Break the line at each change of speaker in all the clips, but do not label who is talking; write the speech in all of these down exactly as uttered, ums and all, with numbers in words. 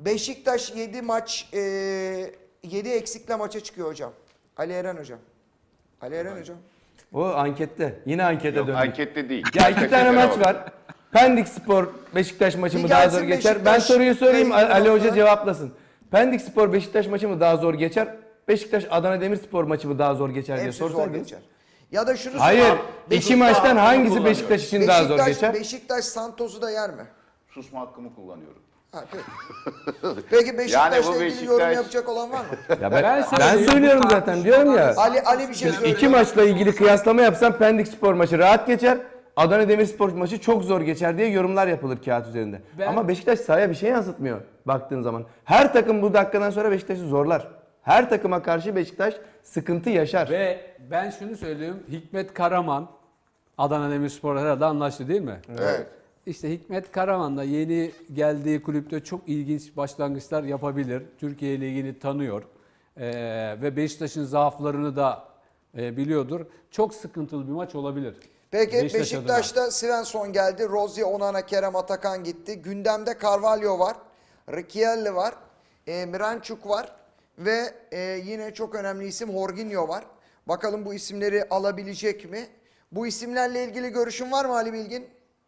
Beşiktaş yedi maç e, yedi eksikle maça çıkıyor hocam. Ali Eren hocam. Ali Eren hocam.
O ankette. Yine ankete
Yok,
döndük.
ankette değil.
Ya iki tane maç var. Pendik Spor Beşiktaş maçı
Bir
mı daha
gelsin
zor geçer?
Beşiktaş,
Ben soruyu sorayım,
Beşiktaş
Ali Hoca
noktalar.
cevaplasın. Pendik Spor Beşiktaş maçı mı daha zor geçer? Beşiktaş Adana Demirspor maçı mı daha zor geçer diye
Hepsi zor
sorsaydınız.
geçer. Ya da şunu
Hayır.
sorayım.
İki maçtan
hakkını
hangisi
kullanıyor.
Beşiktaş için daha zor
Beşiktaş,
geçer?
Beşiktaş Santos'u da yer mi?
Susma hakkımı kullanıyorum.
Ha, peki. Peki Beşiktaş'la
bu
ilgili yorum
Beşiktaş-
yapacak olan var mı?
Ya ben,
Ben
ben
söyleyeyim,
söylüyorum
bu
zaten diyorum ya.
Ali Ali bir şey söylüyor.
İki maçla ilgili kıyaslama yapsam Pendik Spor maçı rahat geçer. Adana Demirspor maçı çok zor geçer diye yorumlar yapılır kağıt üzerinde.
Ben-
Ama Beşiktaş sahaya bir şey yansıtmıyor baktığın zaman. Her takım bu dakikadan sonra Beşiktaş'ı zorlar. Her takıma karşı Beşiktaş sıkıntı yaşar.
Ve ben şunu söyleyeyim. Hikmet Karaman Adana Demirspor herhalde anlaştı değil mi?
Evet.
İşte Hikmet Karaman da yeni geldiği kulüpte çok ilginç başlangıçlar yapabilir. Türkiye Ligi'ni tanıyor. Ee, ve Beşiktaş'ın zaaflarını da e, biliyordur. Çok sıkıntılı bir maç olabilir.
Peki
Beşiktaş
Beşiktaş'ta Svensson geldi. Rozier, Onana, Kerem, Atakan gitti. Gündemde Carvalho var. Riquelme var. E, Miranchuk var. Ve e, yine çok önemli isim Jorginho var. Bakalım bu isimleri alabilecek mi? Bu isimlerle ilgili görüşün var mı Ali Bilgin?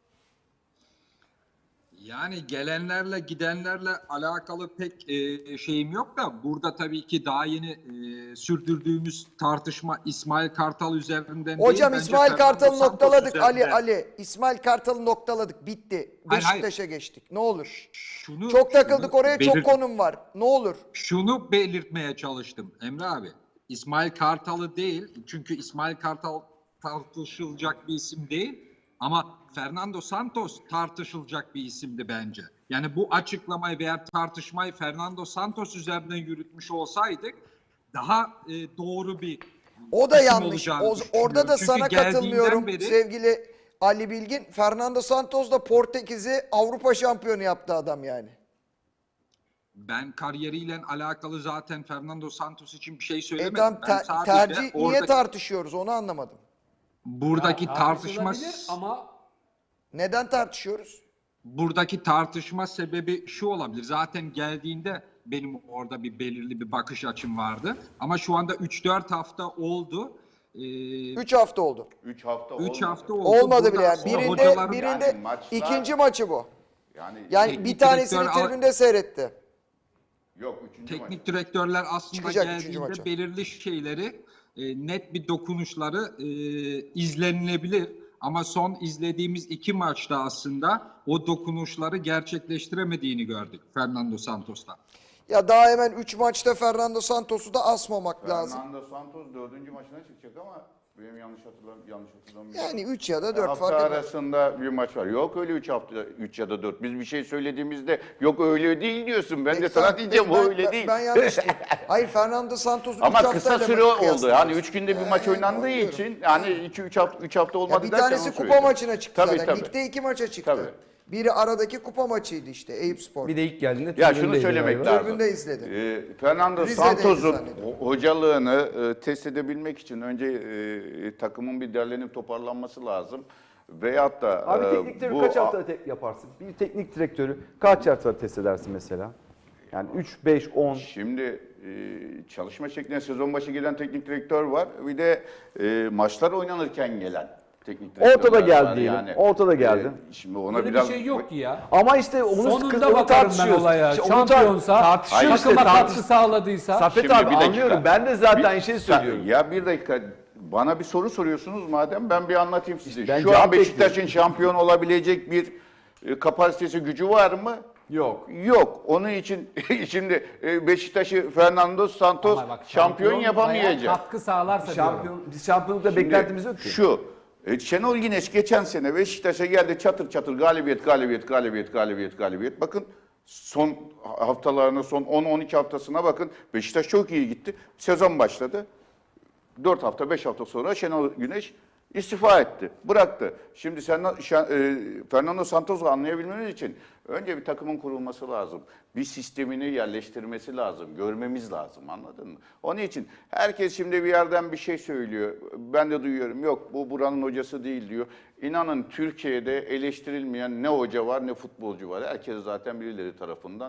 Yani gelenlerle gidenlerle alakalı pek e, şeyim yok da burada tabii ki daha yeni e, sürdürdüğümüz tartışma İsmail Kartal üzerinden değil.
Hocam
bence
İsmail
Fernando
Kartal'ı
Santos
noktaladık. Ali
üzerinden.
Ali. İsmail Kartal'ı noktaladık. Bitti.
Hayır, hayır.
Beşiktaş'a geçtik. Ne olur.
Şunu,
Çok takıldık
şunu
oraya. Çok
belirt-
konum var. Ne olur.
Şunu belirtmeye çalıştım Emre abi. İsmail Kartal'ı değil çünkü İsmail Kartal tartışılacak bir isim değil. Ama Fernando Santos tartışılacak bir isimdi bence. Yani bu açıklamayı veya tartışmayı Fernando Santos üzerinden yürütmüş olsaydık daha e, doğru bir
O da
isim
yanlış.
olacağını
O, orada da
düşünüyorum.
sana
Çünkü geldiğinden
katılmıyorum
beri-
sevgili Ali Bilgin. Fernando Santos da Portekiz'i Avrupa şampiyonu yaptı adam yani.
Ben kariyeriyle alakalı zaten Fernando Santos için bir şey
E
söylemedim.
tamam,
Ben
ter-
sadece
tercih niye
oradaki-
tartışıyoruz onu anlamadım.
buradaki
Ya,
tartışma
tartışılabilir ama
Neden tartışıyoruz?
buradaki tartışma sebebi şu olabilir. Zaten geldiğinde benim orada bir belirli bir bakış açım vardı. Ama şu anda üç dört hafta oldu. Ee,
üç hafta oldu.
üç hafta
üç
olmadı.
hafta oldu.
Olmadı
Buradan
bile yani.
sonra
Birinde,
hocaların-
birinde
Yani maçlar-
ikinci maçı bu.
Yani,
Yani
Teknik
bir tanesini
direktör-
tribünde seyretti.
yok üçüncü maç.
teknik direktörler aslında
Çıkacak üçüncü maça.
geldiğinde belirli şeyleri e, net bir dokunuşları e, izlenilebilir. Ama son izlediğimiz iki maçta aslında o dokunuşları gerçekleştiremediğini gördük Fernando Santos'ta.
Ya daha hemen üç maçta Fernando Santos'u da asmamak lazım.
Fernando Santos dördüncü maçına çıkacak ama benim yanlış hatırlam yanlış hatırlamıyorum.
Yani üç ya da dört
hafta
fark etmez.
arasında bir maç var. Yok öyle üç hafta üç ya da dört. Biz bir şey söylediğimizde yok öyle değil diyorsun. Ben de
Peki,
sana
tamam.
diyeceğim
Peki,
o
ben-
öyle
ben-
değil.
Ben yanlış diyeyim. Hayır Fernando Santos'u üç
Ama
haftayla
kısa
mı
süre oldu.
kıyaslıyoruz?
Yani üç günde bir maç
Ee,
oynandığı
anlıyorum.
için yani iki üç hafta üç hafta olmadı
Ya bir
dersen
tanesi
onu
kupa
söyleyeceğim.
maçına çıktı
Tabii,
zaten.
tabii.
Ligde iki maça çıktı.
Tabii.
Biri aradaki kupa maçıydı işte Eyüp Spor.
Bir de ilk geldiğinde
Ya
tribündeydi
şunu söylemek
galiba.
lazım.
Tribünde izledim.
Ee, Fernando
Rize'deydi
Santos'un
zannediyorum.
ho- hocalığını e, test edebilmek için önce e, takımın bir derlenip toparlanması lazım. Veyahut da
Abi
e,
teknik direktörü
bu
kaç hafta te- yaparsın? Bir teknik direktörü kaç hafta test edersin mesela? Yani üç, beş, on.
Şimdi e, çalışma şekline sezon başı gelen teknik direktör var. Bir de e, maçlar oynanırken gelen teknik direktörler
Ortada geldi
var.
diyelim, ortada geldi.
E, şimdi ona
öyle bir
biraz
şey yok ki ya.
Ama işte onu
Sonunda
sıkı- onu
bakarım ben
tartışıyoruz.
olaya.
İşte onu tar-
Şampiyonsa,
tartışıyoruz işte,
takıma
tartış-
katkı sağladıysa.
Safet
Şimdi
abi
bir dakika.
anlıyorum. Ben de zaten
Bir-
aynı şeyi söylüyorum.
Ya bir dakika bana bir soru soruyorsunuz madem ben bir anlatayım size.
Ben
Şu
cevap
an Beşiktaş'ın şampiyon olabilecek bir e, kapasitesi gücü var mı?
Yok.
Yok. Onun için şimdi e, Beşiktaş'ı Fernando Santos
Ama bak,
şampiyon
şampiyonluğa
yapamayacak.
Katkı sağlarsa diyorum.
Şampiyon, biz şampiyonlukta
Şimdi
beklentimiz yok ki.
Şu, e, Şenol Güneş geçen sene Beşiktaş'a geldi çatır çatır galibiyet, galibiyet, galibiyet, galibiyet, galibiyet. Bakın son haftalarına, son on on iki haftasına bakın. Beşiktaş çok iyi gitti. Sezon başladı. dört hafta, beş hafta sonra Şenol Güneş istifa etti, bıraktı. Şimdi sen, e, Fernando Santos'u anlayabilmemiz için önce bir takımın kurulması lazım. Bir sistemini yerleştirmesi lazım, görmemiz lazım, anladın mı? Onun için herkes şimdi bir yerden bir şey söylüyor. Ben de duyuyorum, yok bu buranın hocası değil diyor. İnanın Türkiye'de eleştirilmeyen ne hoca var ne futbolcu var. Herkes zaten birileri tarafından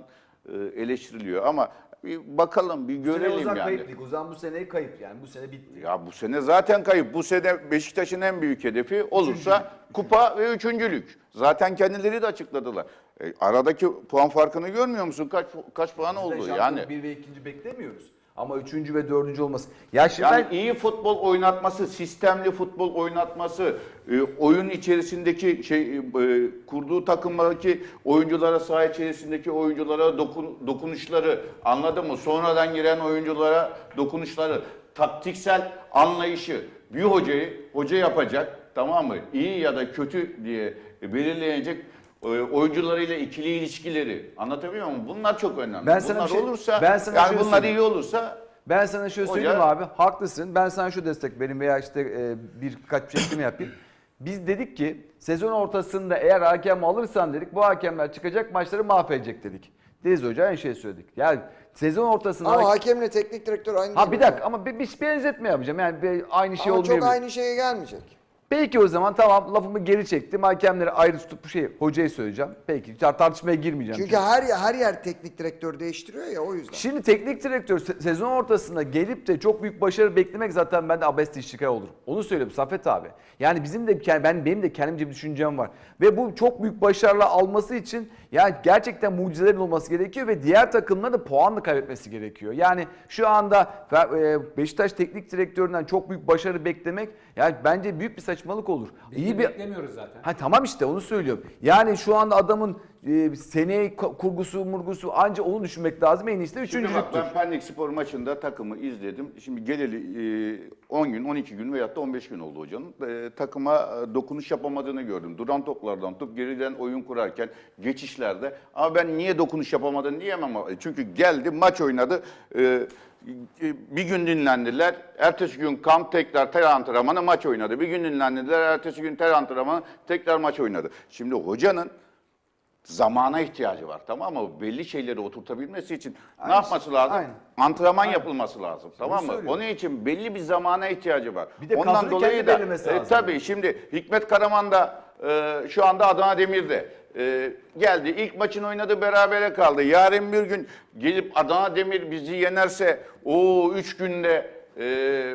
e, eleştiriliyor ama bir bakalım, bir
Bu sene o
görelim
zaman
yani.
kayıp değil. O zaman bu seneyi kayıp yani. Bu sene bitti.
Ya bu sene zaten kayıp. Bu sene Beşiktaş'ın en büyük hedefi olursa kupa ve üçüncülük. Zaten kendileri de açıkladılar. E, aradaki puan farkını görmüyor musun? Kaç kaç puan oldu
Biz de
yani?
şampiyon bir ve ikinci beklemiyoruz. Ama üçüncü ve dördüncü olması. Ya şimdi
Yani
ben-
iyi futbol oynatması, sistemli futbol oynatması, e, oyun içerisindeki şey e, kurduğu takımdaki oyunculara, saha içerisindeki oyunculara dokun, dokunuşları, anladın mı? Sonradan giren oyunculara dokunuşları, taktiksel anlayışı, bir hocayı hoca yapacak, tamam mı? İyi ya da kötü diye belirleyecek e, oyuncularıyla ikili ilişkileri, anlatabiliyor muyum? Bunlar çok önemli.
Ben sana
bunlar
bir şey-
olursa,
ben sana
yani
şöyle
bunlar
söyleyeyim.
iyi olursa
Ben sana şöyle
Hoca-
söyleyeyim abi, haklısın. Ben sana şu destek vereyim veya işte e, birkaç bir şey yapayım. Biz dedik ki sezon ortasında eğer hakem alırsan dedik, bu hakemler çıkacak maçları mahvedecek dedik. Deniz Hoca aynı şeyi söyledik. Yani sezon ortasında...
Ama hakemle teknik direktör aynı
ha
değil
bir
mi?
dakika ama bir, bir benzetme yapacağım. Yani bir, aynı şey
Ama çok
olmayabilir.
aynı şeye gelmeyecek.
Peki o zaman tamam, lafımı geri çektim. Hakemleri ayrı tutup bu şeyi hocayı söyleyeceğim. Peki tartışmaya girmeyeceğim.
Çünkü her her yer teknik direktör değiştiriyor ya, o yüzden.
Şimdi teknik direktör se- sezon ortasında gelip de çok büyük başarı beklemek zaten bende abesle iştikal olur. Onu söylüyorum Safet abi. Yani bizim de yani ben benim de kendimce bir düşüncem var. Ve bu çok büyük başarılar alması için yani gerçekten mucizelerin olması gerekiyor ve diğer takımların da puanla kaybetmesi gerekiyor. Yani şu anda e, Beşiktaş teknik direktöründen çok büyük başarı beklemek yani bence büyük bir saçmalık olur.
Biz
İyi
de
bir
beklemiyoruz zaten.
Ha tamam işte onu söylüyorum. Yani şu anda adamın e, seneye ko- kurgusu murgusu anca onu düşünmek lazım. En iyisi de
Şimdi bak,
üçüncülüktür.
ben Pendik Spor maçında takımı izledim. Şimdi geleli e, on gün, on iki gün veyahut da on beş gün oldu hocanın. E, takıma e, dokunuş yapamadığını gördüm. Duran toplardan tutup geriden oyun kurarken, geçişlerde. Ama ben niye dokunuş yapamadığını diyemem. ama- Çünkü geldi, maç oynadı. E, bir gün dinlendiler. Ertesi gün kamp, tekrar ter antrenmanı, maç oynadı. Bir gün dinlendiler. Ertesi gün ter antrenmanı, tekrar maç oynadı. Şimdi hocanın zamana ihtiyacı var, tamam mı? Belli şeyleri oturtabilmesi için ne
Aynen.
yapması lazım?
Aynen.
Antrenman yapılması lazım, tamam mı?
söylüyorum.
Onun için belli bir zamana ihtiyacı var.
Bir de
Ondan
kadroyu
dolayı
kendi
da
belirlemesi
e,
lazım.
tabii şimdi Hikmet Karaman da e, şu anda Adana Demir'de e, geldi. İlk maçını oynadı, berabere kaldı. Yarın bir gün gelip Adana Demir bizi yenerse o üç günde e,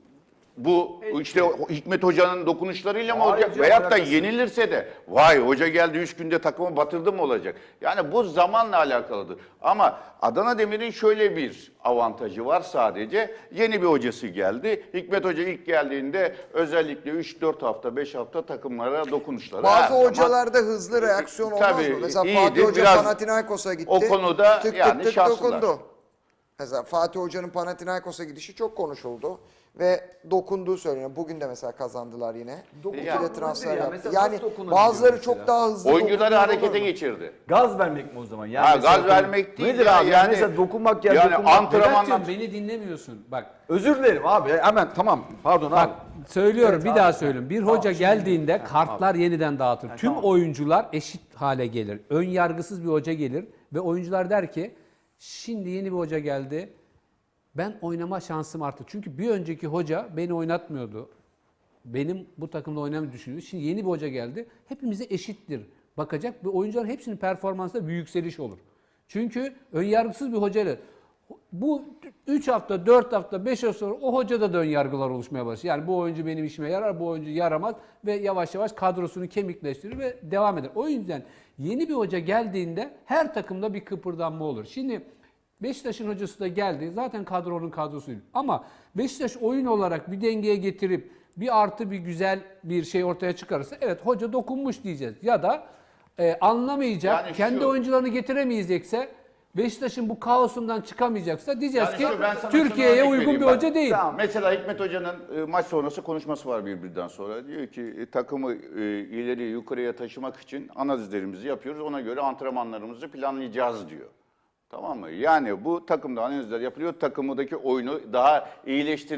bu işte o Hikmet Hoca'nın dokunuşlarıyla mı
Hayır
olacak?
canım,
Veyahut da
alakası yok.
yenilirse de vay hoca geldi üç günde takımı batırdı mı olacak? Yani bu zamanla alakalıdır. Ama Adana Demir'in şöyle bir avantajı var sadece. Yeni bir hocası geldi. Hikmet Hoca ilk geldiğinde özellikle üç dört hafta, beş hafta takımlara dokunuşları her
Bazı
zaman-
hocalarda hızlı reaksiyon olmaz
Tabii,
mı? Mesela
iyidir.
Fatih Hoca
Biraz
Panathinaikos'a gitti.
o konuda
tık
yani
tık tık
şanslılar.
dokundu. Mesela Fatih Hoca'nın Panathinaikos'a gidişi çok konuşuldu ve dokunduğu söyleniyor. Bugün de mesela kazandılar yine. İki
Yani-
de transfer
Ya
yaptı.
mesela
Yani
nasıl dokunabiliyor
bazıları
mesela?
çok daha hızlı
Oyuncuları
dokunduğu
harekete
olur mu?
geçirdi.
Gaz vermek mi o zaman? Yani
Ha,
mesela
gaz vermek değil
nedir
ya,
abi?
yani-
mesela dokunmak ya
yani
dokunmak.
antrenman-
Vedat'cığım beni dinlemiyorsun. Bak
Özür dilerim abi. Hemen tamam. Pardon
Bak
abi.
söylüyorum
Evet
bir
abi.
daha söylüyorum. Bir
Tamam,
hoca
şimdi-
geldiğinde kartlar yeniden dağıtır. Tüm
tamam.
oyuncular eşit hale gelir. Ön yargısız bir hoca gelir ve oyuncular der ki şimdi yeni bir hoca geldi. Ben oynama şansım arttı. Çünkü bir önceki hoca beni oynatmıyordu. Benim bu takımda oynamayı düşünüyordu. Şimdi yeni bir hoca geldi. Hepimize eşittir bakacak ve oyuncuların hepsinin performansında bir yükseliş olur. Çünkü önyargısız bir hocayla bu üç hafta, dört hafta, beş hafta sonra o hocada da ön yargılar oluşmaya başlıyor. Yani bu oyuncu benim işime yarar, bu oyuncu yaramaz ve yavaş yavaş kadrosunu kemikleştirir ve devam eder. O yüzden yeni bir hoca geldiğinde her takımda bir kıpırdanma olur. Şimdi Beşiktaş'ın hocası da geldi. Zaten kadronun kadrosuydu. Ama Beşiktaş oyun olarak bir dengeye getirip bir artı bir güzel bir şey ortaya çıkarırsa evet hoca dokunmuş diyeceğiz. Ya da e, anlamayacak,
Yani
kendi
şu-
oyuncularını getiremeyecekse Beşiktaş'ın bu kaosundan çıkamayacaksa diyeceğiz
Yani
ki
şu, ben sana şunu
Türkiye'ye
örnek
uygun
vereyim.
bir
Bak,
hoca değil.
tamam.
Mesela Hikmet Hoca'nın e, maç sonrası konuşması var birbirinden sonra. Diyor ki e, takımı e, ileri yukarıya taşımak için analizlerimizi yapıyoruz. Ona göre antrenmanlarımızı planlayacağız diyor. Tamam mı? Yani bu takımda analizler yapılıyor. Takımdaki oyunu daha iyileştirme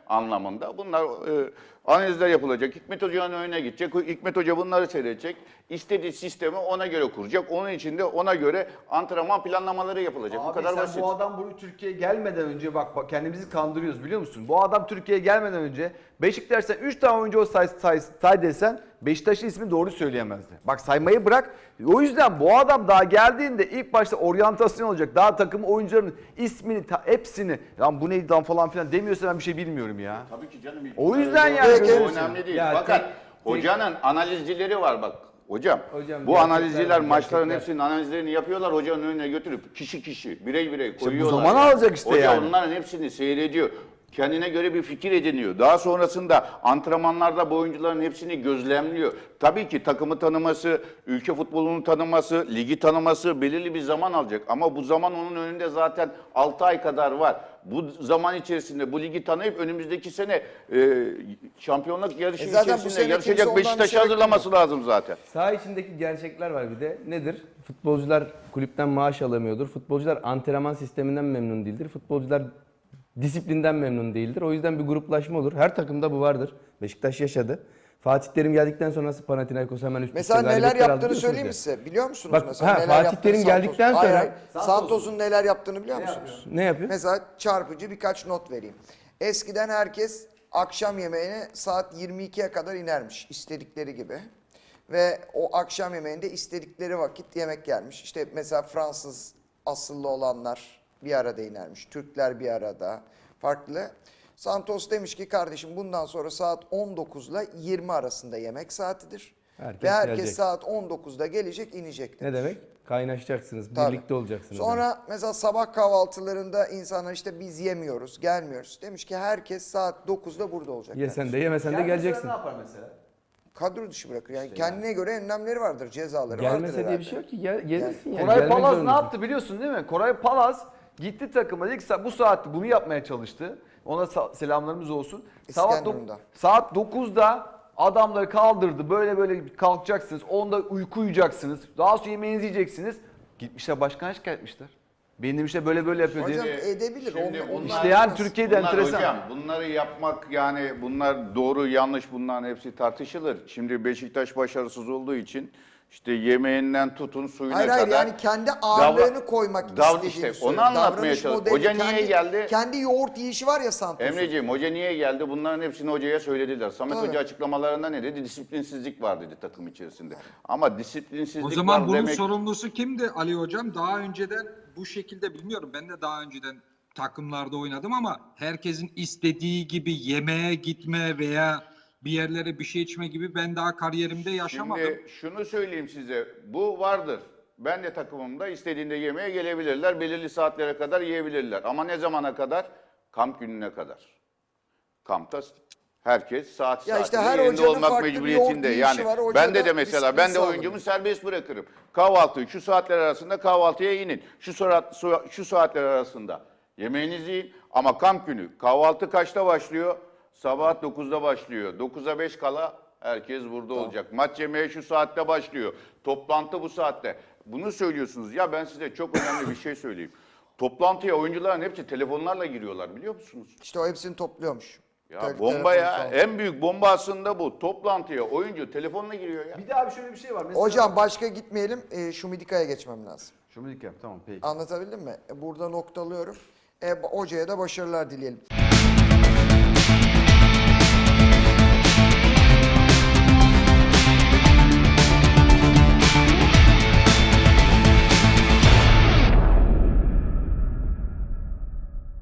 anlamında. Bunlar e, analizler yapılacak. Hikmet Hoca'nın önüne gidecek. Hikmet Hoca bunları seyredecek. İstediği sistemi ona göre kuracak. Onun için de ona göre antrenman planlamaları yapılacak. Bu
Abi
kadar
sen
basit.
bu adam buraya Türkiye'ye gelmeden önce bak, bak kendimizi kandırıyoruz biliyor musun? Bu adam Türkiye'ye gelmeden önce Beşiktaş'tan üç tane oyuncu o say, say, say desen Beşiktaş'ın ismini doğru söyleyemezdi. Bak saymayı bırak. O yüzden bu adam daha geldiğinde ilk başta oryantasyon olacak. Daha takım oyuncularının ismini ta, hepsini lan bu neydi lan falan filan demiyorsa ben bir şey bilmiyorum ya.
Tabii ki canım.
O yüzden yani
Bu
görüyorsun.
önemli değil.
Ya
Fakat
tek-
hocanın analizcileri var bak. Hocam,
Hocam,
bu
gerçekler
analizciler
var,
maçların
gerçekler.
hepsinin analizlerini yapıyorlar. Hocanın önüne götürüp kişi kişi, birey birey
bu
koyuyorlar.
zaman
yani.
alacak işte
Hoca
yani.
onların hepsini seyrediyor. Kendine göre bir fikir ediniyor. Daha sonrasında antrenmanlarda bu oyuncuların hepsini gözlemliyor. Tabii ki takımı tanıması, ülke futbolunu tanıması, ligi tanıması belirli bir zaman alacak. Ama bu zaman onun önünde zaten altı ay kadar var. Bu zaman içerisinde bu ligi tanıyıp önümüzdeki sene e, şampiyonluk yarışı
E zaten bu
içerisinde
sene kimse
yarışacak
ondan bir
Beşiktaş'ı
şey
hazırlaması lazım zaten.
Saha içindeki gerçekler var bir de. Nedir? Futbolcular kulüpten maaş alamıyordur. Futbolcular antrenman sisteminden memnun değildir. Futbolcular disiplinden memnun değildir. O yüzden bir gruplaşma olur. Her takımda bu vardır. Beşiktaş yaşadı. Fatih Terim geldikten sonra nasıl Panathinaikos hemen üst üste
Mesela neler
galibiyetler aldı
yaptığını
biliyorsunuz
söyleyeyim
ya.
mi size? Biliyor musunuz
Bak,
mesela
ha,
neler
Fatih
yaptığını
Terim
Santos?
geldikten
Hayır,
sonra-
hayır. Santos'un neler yaptığını biliyor musunuz?
Ne yapıyor?
Mesela çarpıcı birkaç not vereyim. Eskiden herkes akşam yemeğine saat yirmi ikiye kadar inermiş istedikleri gibi. Ve o akşam yemeğinde istedikleri vakit yemek gelmiş. İşte mesela Fransız asıllı olanlar bir arada inermiş. Türkler bir arada. Farklı. Santos demiş ki kardeşim bundan sonra saat on dokuzla yirmi arasında yemek saatidir.
Herkes
Ve herkes
gelecek.
saat on dokuzda gelecek inecek
Ne
demiş.
demek? Kaynaşacaksınız,
Tabii.
birlikte olacaksınız.
Sonra mesela sabah kahvaltılarında insanlar işte biz yemiyoruz, gelmiyoruz. Demiş ki herkes saat dokuzda burada olacak.
Yesen
demiş.
de yemesen de geleceksin.
Ne yapar mesela?
Kadro dışı bırakır. Yani kendine göre önlemleri vardır, cezaları vardır
Gelmese diye
herhalde.
bir şey yok ki. Gel, gelirsin yani.
Koray
Gelmek
Palaz ne
zorundasın.
yaptı biliyorsun değil mi? Koray Palaz gitti takıma ilk sa- bu saatte bunu yapmaya çalıştı. Ona sa- selamlarımız olsun. Saat, dok-
İskenderun'da.
saat dokuzda adamları kaldırdı. Böyle böyle kalkacaksınız. onda uyku uyuyacaksınız. Daha sonra yemeğinizi yiyeceksiniz. Gitmişler başkana şikayet etmişler. Benim demişler böyle böyle yapıyor diye.
Hocam edebilir.
Şimdi
Onu-
bunlar-
İşte yani
olmaz.
Türkiye'de
Bunlar
enteresan.
hocam bunları yapmak yani bunlar doğru yanlış bunların hepsi tartışılır. Şimdi Beşiktaş başarısız olduğu için işte yemeğinden tutun suyuna
Hayır
kadar.
hayır yani kendi ağırlığını
davra-
koymak
dav-
istediğini
işte
söylüyor.
onu anlatmaya
Davranış
çalış-
modeli,
Hoca niye
kendi-
geldi?
Kendi yoğurt yiyişi var ya Santos'un.
Emreciğim hoca niye geldi? Bunların hepsini hocaya söylediler. Samet
Tabii.
Hoca açıklamalarında ne dedi? Disiplinsizlik var dedi takım içerisinde. Ama disiplinsizlik
O zaman
var
bunun
demek...
sorumlusu kimdi Ali Hocam? Daha önceden bu şekilde bilmiyorum. Ben de daha önceden takımlarda oynadım ama herkesin istediği gibi yemeğe gitme veya bir yerlere bir şey içme gibi ben daha kariyerimde yaşamadım.
Şimdi şunu söyleyeyim size. Bu vardır. Ben de takımımda istediğinde yemeğe gelebilirler. Belirli saatlere kadar yiyebilirler. Ama ne zamana kadar? Kamp gününe kadar. Kampta herkes saat
Ya işte
saatinde
her
yerinde
hocanın
olmak
farklı bir
mecburiyetinde.
yoğurt
Yani
yiyişi var, hoca
ben de
da
de mesela
disiplin
ben de
sağlıyor.
oyuncumu serbest bırakırım. Kahvaltı şu saatler arasında kahvaltıya inin. Şu saat şu saatler arasında yemeğinizi yiyin. Ama kamp günü kahvaltı kaçta başlıyor? Sabah dokuzda başlıyor. dokuza beş kala herkes burada olacak. Maç yemeği şu saatte başlıyor. Toplantı bu saatte. Bunu söylüyorsunuz. Ya ben size çok önemli bir şey söyleyeyim. Toplantıya oyuncuların hepsi telefonlarla giriyorlar biliyor musunuz?
İşte o hepsini topluyormuş.
Ya
Tek-
bomba
telefonu
ya.
sağ ol.
En büyük bomba aslında bu. Toplantıya oyuncu telefonla giriyor ya.
Bir de abi şöyle bir şey var. Mesela...
Hocam başka gitmeyelim. E, Şumidika'ya geçmem lazım.
Şunu yap tamam peki.
Anlatabildim mi? E, burada noktalıyorum. E, hocaya da başarılar dileyelim.